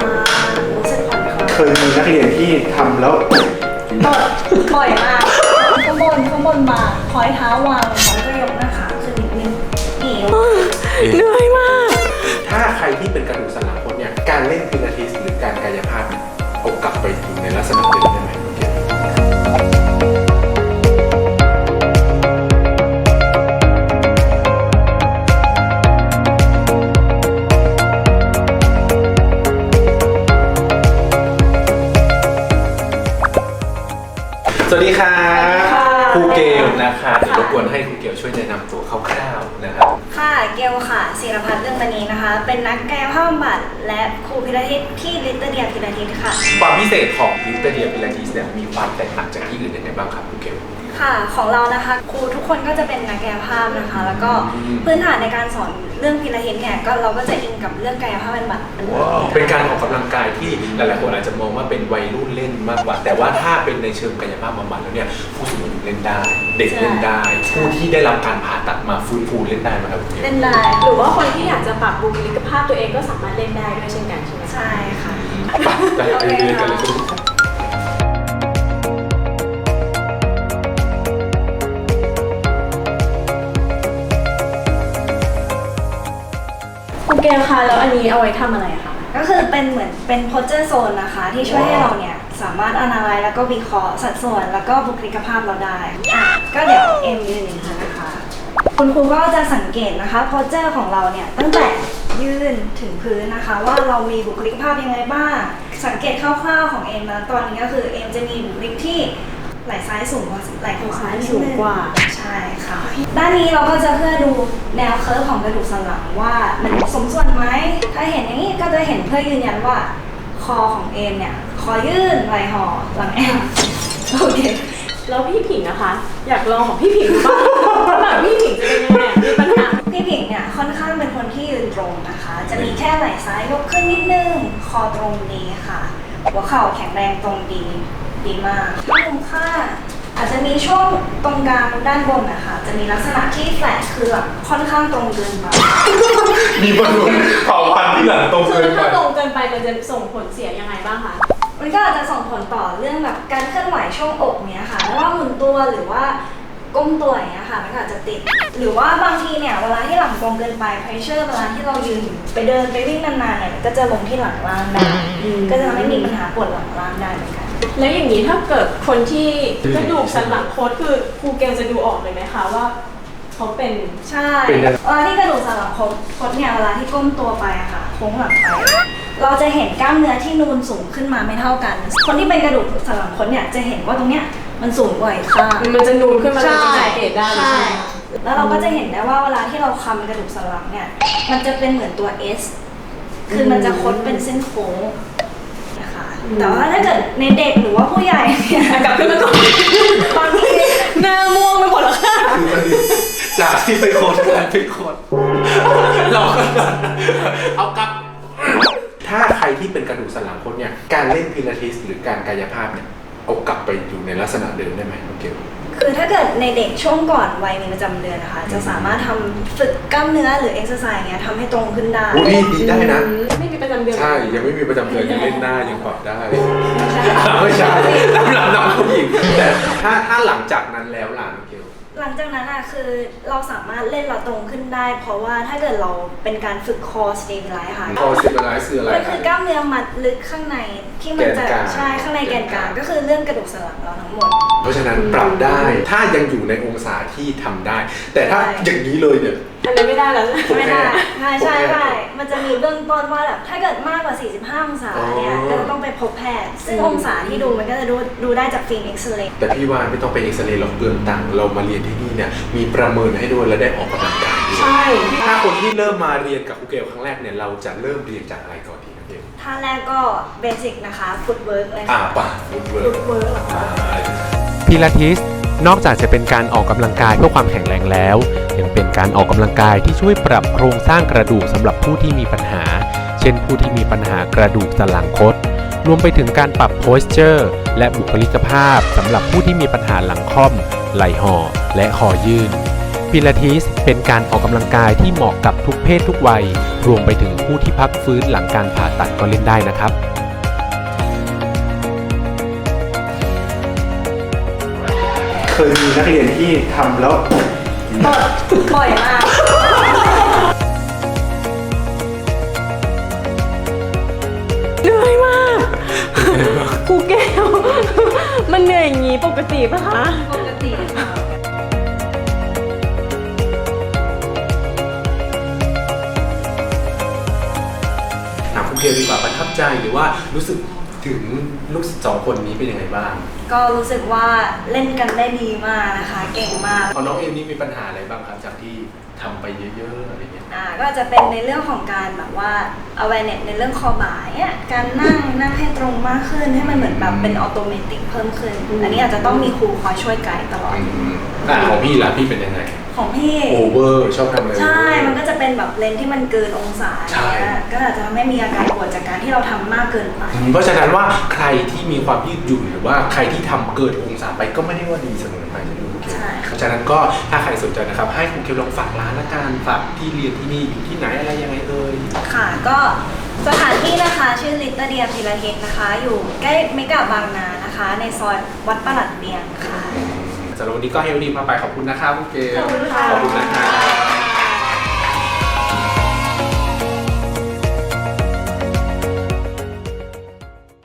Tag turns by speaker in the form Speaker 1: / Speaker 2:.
Speaker 1: รู้สึกผ่อนคลาย
Speaker 2: เคยมีนักเรียนที่ทำแล้ว
Speaker 1: บ่อยมากข้างบนมาคอยเท้าวางแล้วก็ยกหน้าขาขึ้นนิดนึง
Speaker 3: เหนื่อยมาก
Speaker 2: ถ้าใครที่เป็นกระดูกสันหลังคดเนี่ยการเล่นพิลาทิสหรือการกายภาพเนี่ยเอากลับไปอยู่ในลักษณะเดิมได้ไหมโอเคสวัสดีครับครูเกลนะคะเดี๋ยวรบกวนให้ครูเกลช่วยแนะนำตัวคร่าวๆนะครับ
Speaker 1: ค่ะเกลค่ะศิรพัฒน์เรื่องมณีนะคะเป็นนักกายภาพบำบัดและครูพิลาทิสที่ลิตเติ้ลเดียพิลาทิสค่ะ
Speaker 2: ความพิเศษของลิตเติ้ลเดียพิลาทิสเนี่ยมีความแตกต่างจากที่อื่นยังไงบ้างครับครูเกล
Speaker 1: ค่ะของเรานะคะครูทุกคนก็จะเป็นนักกายภาพนะคะแล้วก็พื้นฐานในการสอนเรื่องพิลาทิสเนี่ยก็เราก็จะอิงกับเรื่องกายภาพบำบัด
Speaker 2: เป็นการออกกำลังกายที่หลายๆคนอาจจะมองว่าเป็นวัยรุ่นเล่นมากกว่าแต่ว่าถ้าเป็นในเชิงกายภาพบำบัดแล้วเนี่ยผู้สูงอายุเล่นได้เด็กเล่นได้ผู้ที่ได้รับการผ่าตัดมาฟื้นฟูเล่นได้ไหมครับ
Speaker 1: เล่นได้
Speaker 3: หรือว่าคนที่อยากจะปรับบุคลิกภาพตัวเองก็สามารถเล่นได้ด้วยเช่นกันใช่ไหม
Speaker 1: ใช่ค่ะ
Speaker 2: ไปเรียนกันเลย
Speaker 3: ครูเกลคะแล้วอันนี้เอาไว้ทำอะไรคะ
Speaker 1: ก็คือเป็นเหมือนเป็นโพสเจอร์โซนนะคะที่ช่วยให้เราเนี่ยสามารถอนาลัยแล้วก็วิเคราะห์สัดส่วนแล้วก็บุคลิกภาพเราได้ก็เดี๋ยวเอ็มยืนอย่างนี้นะคะคุณครูก็จะสังเกตนะคะโพสเจอร์ของเราเนี่ยตั้งแต่ยืนถึงพื้นนะคะว่าเรามีบุคลิกภาพยังไงบ้างสังเกตคร่าวๆของเอ็มนะตอนนี้ก็คือเอ็มจะมีบุคลิกที่ไหล่ซ้ายสูงกว่าไหล่ขวา
Speaker 3: สูงกว่า
Speaker 1: ใช่ค่ะด้านนี้เราก็จะเพื่อดูแนวเคิร์ฟของกระดูกสันหลังว่ามันสมส่วนไหมถ้าเห็นอย่างนี้ก็จะเห็นเพื่อยืนยันว่าคอของเอมเนี่ยคอยื่นไหล่ห่อหลังแอมโอเค
Speaker 3: แล้วพี่ผิงนะคะอยากลองของพี่ผิงบ้างว่าแบบพี่ผิงจะเป็นยังไงมีปัญหา
Speaker 1: พี่ผิงเนี่ยค่อนข้างเป็นคนที่ยืนตรงนะคะจะมีแค่ไหล่ซ้ายยกขึ้นนิดนึงคอตรงดีค่ะหัวเข่าแข็งแรงตรงดีมากที่มุมข้างอาจจะมีช่วงตรงกลางด้านบนนะคะจะมีลักษณะที่แฟลตคือแบบค่อนข้างตรงเกินไป
Speaker 2: มีบอลลูนเผาพันที่หลังตรงเกินไป
Speaker 3: ถ้าตรงเกินไปมันจะส่งผลเสียยังไงบ้างคะ
Speaker 1: มันก็อาจจะส่งผลต่อเรื่องแบบการเคลื่อนไหวช่วงอกเนี้ยค่ะไม่ว่าหมุนตัวหรือว่าก้มตัวอย่างเงี้ยค่ะมันก็อาจจะติดหรือว่าบางทีเนี่ยเวลาที่หลังตรงเกินไปเพรสเชอร์เวลาที่เรายืนไปเดินไปวิ่งนานๆเนี่ยก็จะลงที่หลังล่างได้ก็จะทำให้มีปัญหาปวดหลังล่างได้เหมือนกัน
Speaker 3: แล้วอย่างนี้ถ้าเกิดคนที่กระดูกสันหลังคดคือครูเกลจะดูออกเลยไหมคะว่าเขาเป็น
Speaker 1: ใช่เวลาที่กระดูกสันหลังคดเนี่ยเวลาที่ก้มตัวไปอะค่ะโค้งหลังไปเราจะเห็นกล้ามเนื้อที่นูนสูงขึ้นมาไม่เท่ากันคนที่เป็นกระดูกสันหลังคดเนี่ยจะเห็นว่าตรงเนี้ยมันสูงกว่าอีกข้าง
Speaker 3: มันจะนูนขึ้นมาเลยจะสังเกตได้
Speaker 1: ใช่แล้วเราก็จะเห็นได้ว่าเวลาที่เราคำกระดูกสันหลังเนี่ยมันจะเป็นเหมือนตัว S คือมันจะคดเป็นเส้นโค้งแต่ว่าถ้าเกิดในเด็กหรือว่าผู้ใหญ่เนี่ย
Speaker 3: กลับขึ้นมาก่อนบางทีหน้าม่วงไปหมดแล้วค่ะ
Speaker 2: จากที่ไปโคตรกลายเป็นโคตรเราก็เอากลับถ้าใครที่เป็นกระดูกสันหลังคดเนี่ยการเล่นพิลาทิสหรือการกายภาพเนี่ยเอากลับไปอยู่ในลักษณะเดิมได้ไหมโอเค
Speaker 1: คือถ้าเกิดในเด็กช่วงก่อนวัยมีประจำเดือนนะคะจะสามารถทำฝึกกล้ามเนื้อหรือเอ็กซ์ไซส์เงี้ยทำให้ตรงขึ้นได้
Speaker 2: นี่ดีได้นะ
Speaker 3: ไม่มีประจำเดือน
Speaker 2: ใช่ยังไม่มีประจำเดือนยังเล่นได้ยังปรับได้ไม่ใช่สำหรับน้องผู้หญิงแต่ถ้าหลังจากนั้นแล้วล่ะโอเค
Speaker 1: หลังจากนั้นคือเราสามารถเล่นเราตรงขึ้นได้เพราะว่าถ้าเกิดเราเป็นการฝึกคอสเตบิไลซ์ค่ะ
Speaker 2: คอสเตบิไลซ์คืออะไร
Speaker 1: มันคือกล้ามเนื้อมัดลึกข้างในที่มันจะใช่ข้างในแกนกลางก็คือเรื่องกระดูกสันหลังเราทั้งหมด
Speaker 2: เพราะฉะนั้นปรับได้ถ้ายังอยู่ในองศาที่ทำได้แต่ถ้าอย่างนี้เลยเนี่ย
Speaker 3: อันนี้ไม่ได้แล้ว
Speaker 1: ไม่ได้ใช่มันจะมีเบื้องต้นว่าแบบถ้าเกิดมากกว่า45องศาเนี่ยก็ต้องไปพบแพทย์ซึ่งองศาที่ดูมันก็จะดูได้จากฟิล์มเอ็กซเรย์
Speaker 2: แต่พี่ว่าไม่ต้องไปเอ็กซเรย์หรอกเปลืองตังค์เรามาเรียนที่นี่เนี่ยมีประเมินให้ด้วยและได้ออกกำลังกายด้วย
Speaker 3: ใช่
Speaker 2: ถ้าคนที่เริ่มมาเรียนกับครูเกลครั้งแรกเนี่ยเราจะเริ่มเรียนจากอะไรก่อนดีครับเกล
Speaker 1: ท่าแรกก็เบสิกนะคะฟุตเวิร์กเลย
Speaker 2: ป่ะฟุตเวิร์ก
Speaker 4: พิลาทิสนอกจากจะเป็นการออกกำลังกายเพื่อความแข็งแรงแล้วยังเป็นการออกกำลังกายที่ช่วยปรับโครงสร้างกระดูกสำหรับผู้ที่มีปัญหาเช่นผู้ที่มีปัญหากระดูกสันหลังคดรวมไปถึงการปรับโพสเจอร์และบุคลิกภาพสำหรับผู้ที่มีปัญหาหลังค่อมไหล่ห่อและคอยื่นพิพิลาทิสเป็นการออกกำลังกายที่เหมาะกับทุกเพศทุกวัยรวมไปถึงผู้ที่พักฟื้นหลังการผ่าตัดก็เล่นได้นะครับ
Speaker 2: เคยมีนักเรียนที่ทำแล้ว
Speaker 1: บ่อยมาก
Speaker 3: เหนื่อยมากครูแก้ว มันเหนื่อยอย่างนี้ปกติปะคะ
Speaker 1: ปกติค่ะ
Speaker 2: ถามคุณเกลดีกว่าประทับใจหรือว่ารู้สึกถึงลูกศิษย์สองคนนี้เป็นยังไงบ้าง
Speaker 1: ก็รู้สึกว่าเล่นกันได้ดีมากนะคะ เก่งมาก
Speaker 2: พอน้องเอมนี่มีปัญหาอะไรบ้างครับจากที่ทำไปเยอะๆอะไรเงี้ย
Speaker 1: ก็อาจจะเป็นในเรื่องของการแบบว่า awareness ในเรื่องคอบ่ายอะการนั่งให้ตรงมากขึ้นให้มันเหมือนแบบเป็นออโตเมติกเพิ่มขึ้น อันนี้อาจจะต้องมีครูคอยช่วยไกด์ตลอด
Speaker 2: ของพี่ล่ะพี่เป็นยังไง
Speaker 1: ของพี่
Speaker 2: โอเวอร์ชอบทำอะไร
Speaker 1: ใช่ มันก็จะเป็นแบบเลนส์ที่มันเกินองศา
Speaker 2: ใช่
Speaker 1: เนี่ยก็อาจจะทำให้มีอาการปวดจากการที่เราทำมากเกินไป
Speaker 2: เพราะฉะนั้นว่าใครที่มีความยืดหยุ่นหรือว่าใครที่ทำเกินองศาไปก็ไม่ได้ว่าดีเสมอไปใช่ไหมคุณเกล
Speaker 1: ใช่
Speaker 2: เพราะฉะนั้นก็ถ้าใครสนใจนะครับให้คุณเกลลองฝากร้านละกันฝากที่เรียนที่นี่อยู่ที่ไหนอะไรยังไงเอ่ย
Speaker 1: ค่ะก็สถานที่นะคะชื่อลิตเตอร์เดียพิลาทิสนะคะ อยู่ใกล้เมกะบางนานะคะ ในซอยวัดประหลัดเบียงค่ะ
Speaker 2: สำหรับวันนี้ก็ให้วันนี้มาไปขอบคุณนะครับคุณเกล
Speaker 3: ขอบคุณค่ะ
Speaker 2: ขอบคุณนะครับ